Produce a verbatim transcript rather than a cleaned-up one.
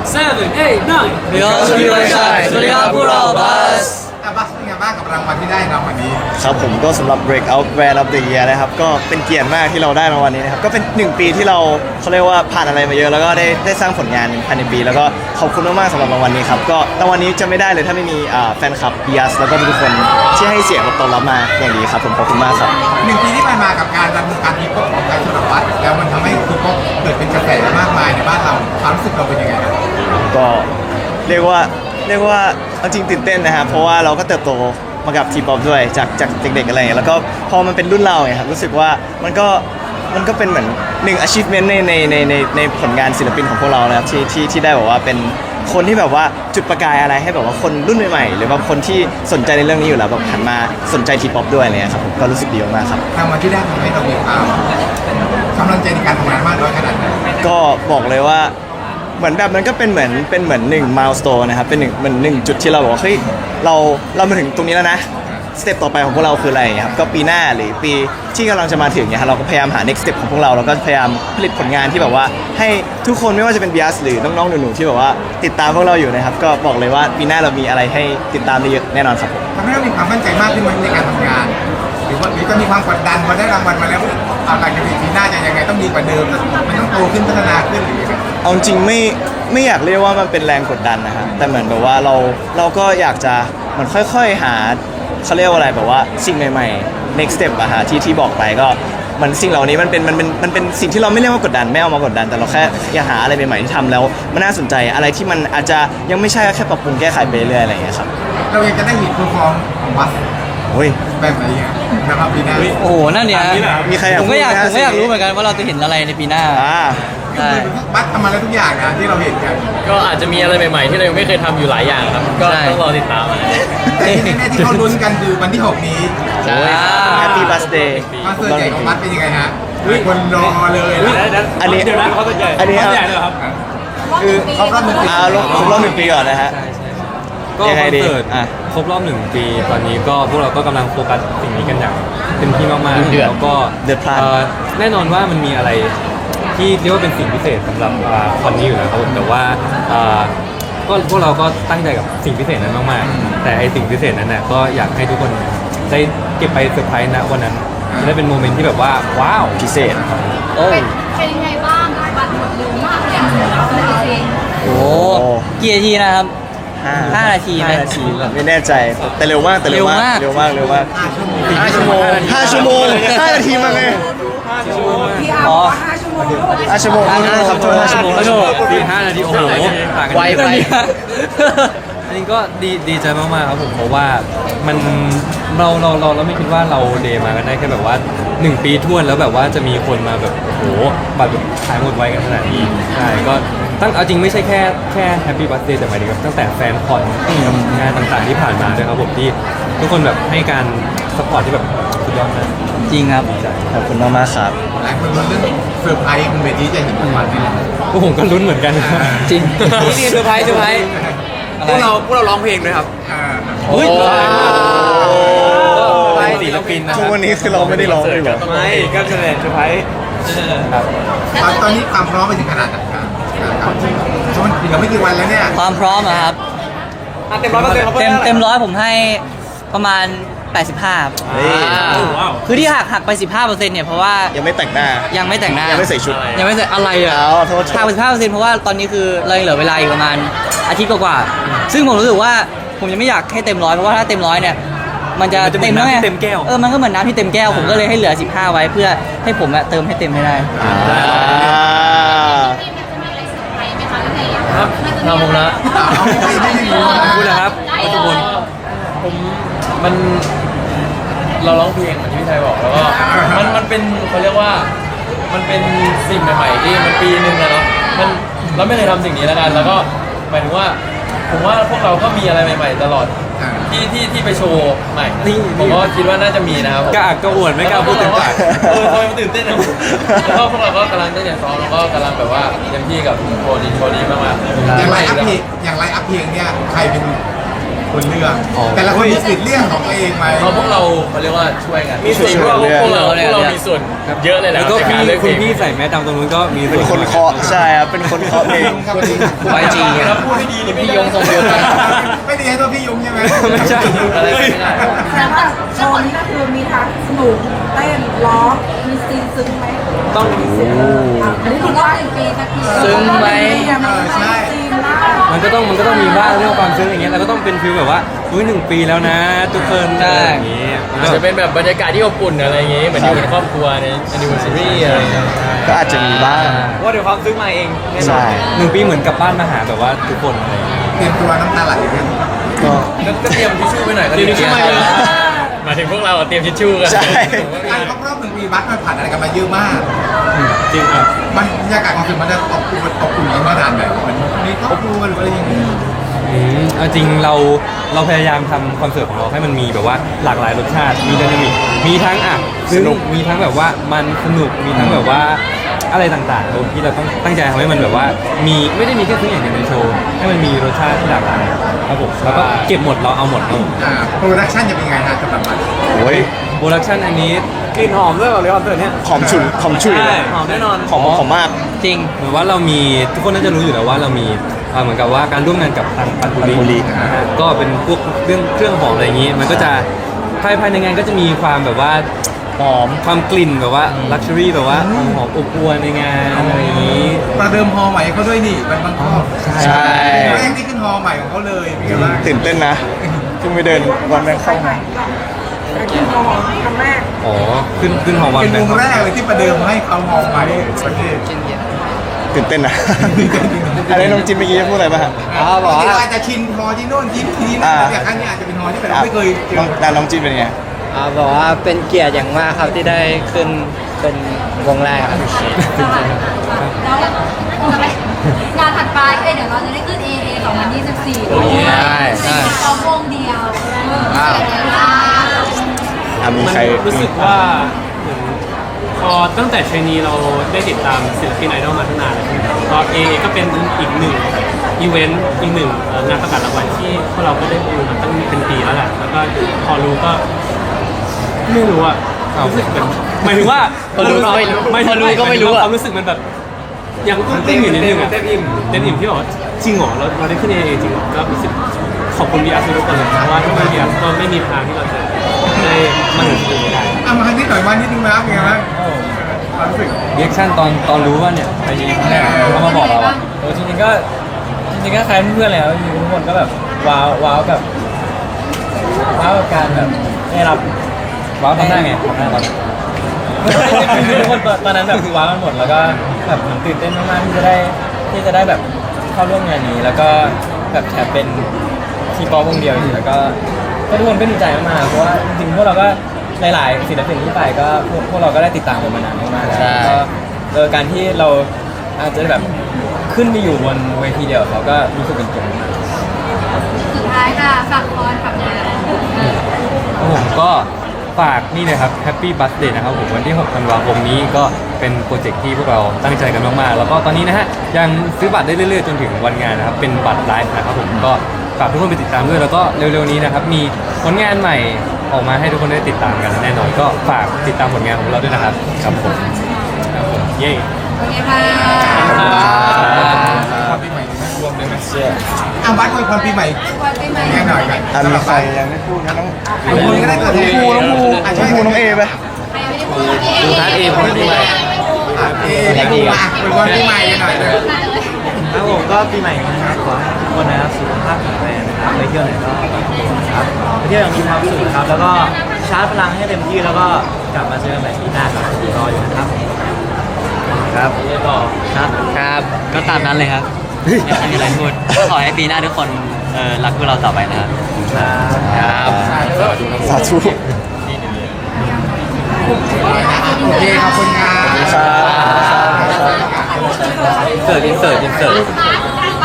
seven eight nine เดี๋ยวสวัสดีครับสวัสดีครับพวกเราบัสอ่ะบัสเป็นไงบ้างกับรางวัลที่ได้รางวัลนี้ครับผมก็สำหรับ Breakout Brand of the Year นะครับก็เป็นเกียรติมากที่เราได้รางวัลนี้นะครับก็เป็นหนึ่งปีที่เราเขาเรียกว่าผ่านอะไรมาเยอะแล้วก็ได้ได้สร้างผลงานภายในปีแล้วก็ขอบคุณมากๆสำหรับรางวัลนี้ครับก็รางวัลนี้จะไม่ได้เลยถ้าไม่มีอ่าแฟนคลับ บี เอ เอส แล้วก็ทุกคนที่ให้เสียงตอบรับมาอย่างดีครับผมขอบคุณมากครับหนึ่งปีที่ผ่านมากับการดำเนินการทีป๊อปของไทยสำหรับบัสแล้วมันทำให้ทีป๊อปเกิดเป็นกระแสมากมายในบ้านเราความรู้สึกเราเป็นยังไงครับก็เรียกว่าเรียกว่าเอาจริงตื่นเต้นนะครับเพราะว่าเราก็เติบโตมากับทีป๊อปด้วยจากจากเด็กๆอะไรอย่างเงี้ยแล้วก็พอมันเป็นรุ่นเราไงครับรู้สึกว่ามันก็มันก็เป็นเหมือนหนึ่ง achievement ในในในในในผลงานศิลปินของพวกเรานะครับที่ที่ที่ได้แบบว่าเป็นคนที่แบบว่าจุดประกายอะไรให้แบบว่าคนรุ่นใหม่ๆหรือว่าคนที่สนใจในเรื่องนี้อยู่แล้วแบบหันมาสนใจทีป๊อปด้วยอะไรเงี้ยครับผมก็รู้สึกดีมากๆครับรางวัลที่ได้ทำให้เรามีความกำลังใจในการทำงานมากน้อยขนาดไหนก็บอกเลยว่าเหมือนแบบมันก็เป็นเหมือนเป็นเหมือนหนึ่งมายสโตนนะครับเป็นหนึ่งเหมือนหนึ่งจุดที่เราบอกว่าเฮ้ยเราเรามาถึงตรงนี้แล้วนะสเต็ปต่อไปของพวกเราคืออะไรครับก็ปีหน้าหรือปีที่กำลังจะมาถึงเนี่ยครับเราก็พยายามหา next step ของพวกเราเราก็พยายามผลิตผลงานที่แบบว่าให้ทุกคนไม่ว่าจะเป็น บี เอ เอส หรือน้องๆหนูๆที่แบบว่าติดตามพวกเราอยู่นะครับก็บอกเลยว่าปีหน้าเรามีอะไรให้ติดตามได้เยอะแน่นอนครับผมทำให้เรามีความมั่นใจมากขึ้นในการทำงานหรือว่าหรือจะมีความกดดันพอได้รางวัลมาแล้วเอาหลังจากปีหน้าจะยังไงต้องดีกว่าเดิมมันต้องโตขึ้นพัฒนาขึ้นหรือยังไงเอาจริงไม่ไม่อยากเรียกว่ามันเป็นแรงกดดันนะครับแต่เหมือนแบบว่าเราเราก็อยากจะเหมือนค่อยๆหาเขาเรียกว่าอะไรแบบว่าสิ่งใหม่ๆ next step อะฮะที่ที่บอกไปก็มันสิ่งเหล่านี้มันเป็นมันเป็นมันเป็นสิ่งที่เราไม่เรียกว่ากดดันไม่เอามากดดันแต่เราแค่อยากหาอะไรใหม่ๆที่ทำแล้วมันน่าสนใจอะไรที่มันอาจจะยังไม่ใช่ก็แค่ปรับปรุงแก้ไขไปเรื่อยๆอะไรอย่างเงี้ยครับเรายังจะได้เห็นเพอร์ฟอร์มของบัสโอ้ยแบบไหนอ่ะนะครับปีหน้าโอ้โหนั่นเนี่ยมีใครอยากผมก็อยากพูดไหมฮะผมก็อยากรู้เหมือนกันว่าเราจะเห็นอะไรในปีหน้าอ่าใช่บัสทำมาแล้วทุกอย่างนะที่เราเห็นกันก็อาจจะมีอะไรใหม่ๆที่เรายังไม่เคยทำอยู่หลายอย่างครับก็ต้องรอติดตามนะแต่ที่แน่ๆที่เขาลุ้นกันคือวันที่หกนี้ใช่แฮปปี้บัสเดย์คอนเสิร์ตใหญ่ของบัสเป็นยังไงฮะหลายคนรอเลยนะอันนี้เดี๋ยวนะเขาจะใหญ่อันนี้เขาใหญ่เลยครับคือครบรอบหนึ่งปีอ่าลงครบรอบหนึ่งปีก่อนนะฮะก็ยังคไงอนดีเสิร์ตอ่ะครบรอบหนึ่งปีตอนนี้ก็พวกเราก็กำลังโฟกัสสิ่งนี้กันอย่างเต็มที่มากๆเดือดแล้วก็เดือดพล่านเอ่อแน่นอนว่ามันมีอะไรที่เรียกว่าเป็นสิ่งพิเศษสำหรับอ่าคอนนี้อยู่แล้วครับผมแต่ว่าอ่าก็พวกเราก็ตั้งใจกับสิ่งพิเศษนั้นมากๆ แต่ไอสิ่งพิเศษนั้นน่ะก็อยากให้ทุกคนได้เก็บไปเซอร์ไพรส์ณวันนั้นจะได้เป็นโมเมนต์ที่แบบว่าว้าวพิเศษโอ้เป็นเป็นยังไงบ้างบัตรหมดเร็วมากเลยอะจริงโหกี่นาทีนะครับ ห้านาทีไหมห้านาทีไม่แน่ใจแต่เร็วมากแต่เร็วมากเร็เร็วมามวาก กเร็วมากห้าชั่วโมงห้าชั่วโมงห้านาทีมาไงอ๋อห้าชั่วโมงครับโทษห้าชั่วโมงแล้วก็ปีห้านาทีโอ้โหต่างกันไวไปอันนี้ก็ดีดีใจมากๆครับผมเพราะว่ามันเราเราเราเราไม่คิดว่าเราเดย์มากันได้แค่แบบว่าหนึ่งปีท้วนแล้วแบบว่าจะมีคนมาแบบโอ้โหบัตรแบบขายหมดไวกันขนาดนี้ใช่ก็ตั้งเอาจริงไม่ใช่แค่แค่แฮปปี้บัตเดย์แต่หมายถึงแบบตั้งแต่แฟนคอนงานต่างๆที่ผ่านมาด้วยครับผมที่ทุกคนแบบให้การสปอร์ตที่แบบสุดยอดมากจริงครับขอบคุณมากมากๆครับหลายคนลุ้นเรื่องเซอร์ไพรส์บนเวทีจะเห็นรางวัลนี่แหละพวกผมก็ลุ้นเหมือนกันจริงนี่นี่เซอร์ไพรส์เซอร์ไพรส์พวกเราพวกเราร้องเพลงด้วยครับอ่าอุ้ยไปศิลปินนะคทุรักบวันนี้คือเราไม่ได้ร้องเลยเหรอไม่ก็เฉลยเซอร์ไพรส์ตอนตอนนี้ความพร้อมไปถึงขนาดไหนครับครับเพราะมันเหลือไม่กี่วันแล้วเนี่ยความพร้อมอะครับอ่ะเต็มร้อยเปอร์เซ็นต์เต็มเต็มร้อยผมให้ประมาณ แปดสิบห้าครับเฮ้ยว้าวคือที่หักหักไป สิบห้าเปอร์เซ็นต์เนี่ยเพราะว่ายังไม่แต่งหน้ายังไม่แต่งหน้ายังไม่ใส่ชุดยังไม่ใส่อะไรอ่ะเอาโทษหักไปสิบห้าเปอร์เซ็นต์เพราะว่าตอนนี้คือเรายังเหลือเวลาอีกประมาณอาทิตย์กว่าๆซึ่งผมรู้สึกว่าผมยังไม่อยากให้เต็มร้อยเพราะว่าถ้าเต็มร้อยเนี่ยมันจะมันจะเหมืเต็อมนแล้วไงน้ำที่เต็มแก้วเออมันก็เหมือนน้ำที่เต็มแก้วผมก็เลยให้เหลือสิบห้าไว้เพื่อให้ผมอะเติมให้เต็มให้ได้อ่าๆที่มันจะมีอะไรเซอร์ไพรส์ไหมคะพี่เนยครับมันจะทำผมนะเอาไม่ไม่ไม่มีพูดนะครับได้ทุกคนผมมันเราร้องเพลงเหมือนที่พี่ไทยบอกแล้วก็มันมันเป็นเขาเรียกว่ามันเป็นสิ่งใหม่ๆที่มันปีหนึ่งอะเนาะมันเราไม่เคยทำสิ่งนี้แล้วกันแล้วก็หมายถึงว่าผมว่าพวกเราก็มีอะไรใหม่ ๆ ตลอดที่ที่ที่ไปโชว์ใหม่ผมก็คิดว่าน่าจะมีนะครับกล้าอักกล้าอวดไม่กล้าพูดเต็มปากเออทำไมมันตื่นเต้นนะแล้วก็พวกเราก็กำลังตั้งใจซ้อมแล้วก็กำลังแบบว่าเต็มที่กับโชว์นี้โชว์นี้มากๆอย่างไรอัพเพลงอย่างไรอัพเพลงเนี่ยใครเป็นคนเลือกอ๋อแต่ละคนมีสิทธิ์เรื่องของตัวเองไหมเพราะพวกเราเขาเรียกว่าช่วยกันมีส่วนช่วยกันเลือกพวกเราพวกเรามีส่วนเยอะเลยแหละแล้วก็ในพี่การเลือกเพคุลณงพี่ใส่แมสดำตรงนู้นก็มีเป็นคนเคาะใช่ครับเป็นคนเคาะเพลงครับไวจีแล้วพูดให้ดีนี่ไม่พี่ยงทรงเดียวกันไม่ดีให้ตัวพี่ยุงใช่ไหมไม่ใช่อะไรไม่ได้แต่ว่าโชว์นี้ก็คือมีทั้งสนุกเต้นร้องมีซีนซึ้งไหมต้องอันนี้ถือว่าเป็นปีสักทีซึ้งไหมเออใช่ซีนมากมันก็ต้องมันก็ต้องมีบ้างเรื่องความซึ้งอย่างเงี้ยแล้วก็ต้องเป็นฟีลแบบว่าอุ้ยหนึ่งปีแล้วนะ ทุกคนใช่อะไรอย่างงี้มันอาจก็จะเป็นแบบบรรยากาศที่อบอุ่นอะไรอย่างงี้เหมือนอยู่เป็นครอบครัวใน anniversary อะไรอย่างเงี้ยก็อาจจะมีบ้างว่าเดี๋ยวความซึ้งมาเองแน่นอนใช่หนึ่งปีเหมือนกลับบ้านมาหาแบบว่าทุกคนอะไรอย่างเงี้ยเตรียมตัวน้ำตาไหลกันก็ก็ก็เตรียมทิชชู่ไปหน่อยก็เตรียมทิชชู่มาเลยหมายถึงพวกเราอะเตรียมทิชชู่กันใช่การครบรอบหนึ่งปีบัสมันผ่านอะไรกันมาเยอะมากจริงครับมันบรรยากาศของคือมันจะอบอุ่นอบอุ่นกันมานานแบบมันมีครอบครัวหรืออะไรอย่างเงี้ยอืมเอาจริงเราเราพยายามทำคอนเสิร์ตของเราให้มันมีแบบว่าหลากหลายรสชาติมีไดนามิกมีทั้งอ่ะสนุกมีทั้งแบบว่ามันสนุกมีทั้งแบบว่าอะไรต่างๆโดยที่เราต้องตั้งใจทำให้มันแบบว่ามีไม่ได้มีแค่ทุกอย่างในโชว์ให้มันมีรสชาติที่หลากหลายครับผมแล้วก็เก็บหมดเราเอาหมดครับผมอ่าโปรดักชั่นจะเป็นไงฮะสำหรับมันโอ้ยโปรดักชันอันนี้กลิ่นหอมด้วยแบบเลยคอนเสิร์ตเนี้ยหอมฉุนหอมฉุยใช่หอมแน่นอนหอมหอมมากจริงเหมือนว่าเรามีทุกคนน่าจะรู้อยู่แล้วว่าเรามีเอ่อเหมือนกับว่าการร่วมงานกับทางปันปุปันปุริรีนะฮะก็เป็นพวกเรื่องเครื่องหอมอะไรอย่างนี้ มันก็จะภายภายในงานก็จะมีความแบบว่าหอมความกลิ่นแบบว่าลักชัวรี่แบบว่าหอมหอมอบอวลในงานอะไรอย่างนี้ประเดิมฮอใหม่เขาด้วยนี่มันบางข้อใช่แรกที่ขึ้นฮอใหม่ของเขาเลยเป็นไงบ้างตื่นเต้นนะเพิ่งไปเดินวันแรกเข้ามาไปกินโมของครั้งแรกอ๋อขึ้นขึ้นหอมวันเป็นวงแบแรกเลยที่ประเดิมให้เขาฮอใหม่ประเทศตื่นเต้นนะอะไรน้องจินเมื่อกี้จะพูดอะไรป่ะฮะอ๋อบอกว่าอาจจะชินฮอที่โน่นที่ที่นั่นแต่ครั้งนี้อาจจะเป็นฮอที่แบบเราไม่เคยเจน้องอน้องจินเป็นไงอ่าบอกว่าเป็นเกียรติอย่างมากครับที่ได้ขึ้นเป็นวงแรกครับแล้วงานถัดไปเอ้ยเดี๋ยวเราจะได้ขึ้น เอ เอ สองพันยี่สิบสี่โอ้ยใช่ใช่เอาวงเดียวเออเป็นไงบ้างอ่ะมีมันใครรู้สึกว่าเหมือนพอตั้งแต่เทรนนีเราได้ติดตามศิลปินไอดอลมาตั้งนานแล้วก็เอก็เป็นอีกหนึ่งอีเวนต์อีกหนึ่งเอ่องานประกาศรางวัลที่พวกเราก็ได้ดูมาตั้งเป็นปีแล้วแหละแล้วก็พอรู้ก็ไม่รู้อะรู้สึกแบบหมายถึงว่าพอรู้ก็ไม่รู้หายถึงพอรู้ก็ไม่รู้อะความรู้สึกมันแบบยังต้องเต้นอยู่นิดนึงอะเต้นอิ่มเต้นอิ่มที่บอกว่าจริงเหรอเราเราได้ขึ้นเอจริงเหรอก็รู้สึกขอบคุณบีอาร์ทุกคนเลยเพราะว่าถ้าไม่บีอาร์ก็ไม่มีทางที่เราจะได้มาถึงจุดนี้ได้เอามานิดหน่อยมานิดนึงนะเป็นไงบ้างความรู้สึกเรียกชั่นตอนตอนรู้ว่าเนี่ยไปยิงเขามาบอกเราอะโอ้จริงๆก็จริงๆก็คล้ายเพื่อนๆเลยครับจริงๆทุกคนก็แบบว้าวว้าวกับว้าวกับการแบบได้รับว้าวทำหน้าไงทำหน้าตอนคือทุกคนตอนนั้นแบบคือว้าวกันหมดแล้วก็แบบเหมือนตื่นเต้นมากๆที่จะได้ที่จะได้แบบเข้าร่วมงานนี้ แล้วก็แบบแถมเป็นทีป๊อปวงเดียวอีกแล้วก็ก็ทุกคนก็ดีใจมากๆเพราะว่าจริงๆพวกเราก็หลายๆศิลปินที่ไปก็พวกพวกเราก็ได้ติดตามกันมานานมากๆแล้วใช่ก็เออการที่เราอาจจะแบบขึ้นไปอยู่บนเวทีเดียวกับเขาก็รู้สึกเป็นเกียรติมากสุดท้ายค่ะฝากคอนฝากงานผมก็ฝากนี่เลยครับ Happy Birthday นะครับผมวันที่หกธันวาคมนี้ก็เป็นโปรเจกต์ที่พวกเราตั้งใจกันมากๆ แล้วก็ตอนนี้นะฮะยังซื้อบัตรได้เรื่อยๆ จนถึงวันงานนะครับ เป็นบัตรไลฟ์นะครับผมก็ฝากทุกคนไปติดตามด้วย แล้วก็เร็วๆนี้นะครับ มีผลงานใหม่ออกมาให้ทุกคนได้ติดตามกันแน่นอนก็ฝากติดตามผลงานของเราด้วยนะครับครับผมครับผมเย้โอเคค่ะความปีใหม่รวมเลยไหมเชื่ออ่ะบัสอวยพรปีใหม่วันปีใหม่แค่หน่อยกันอ่ะมีใครยังไม่พูดนะน้องน้องภูก็ได้เกิดน้องภูน้องภูอ่ะน้ช่อวยงภูน้องเอไปใครยังไม่ได้พูดดูท้ายเอพูดดีไหมอ่ะเอ๊ะภูอ่ะอวยพรปีใหม่กันหน่อยเลยมาเลยครับผมก็ปีใหม่นี้นะครับขอให้ทุกคนนะครับสุขภาพแข็งแรงนะครับไปเที่ยวไหนก็ครับไปเที่ยวอย่างมีความสุขครับแล้วก็ชาร์จพลังให้เต็มที่แล้วก็กลับมาเจอกันใหม่ปีหน้าครับรออยู่นะครับครับต่อครับครับก็ตามนั้นเลยครับไม่มีอะไรพูดขอให้ปีหน้าทุกคนเออรักพวกเราต่อไปนะครับครับสาธุโอเคขอบคุณครับครับเสิร์ฟอินเสิร์ตอินเสิร์ตพาร์ท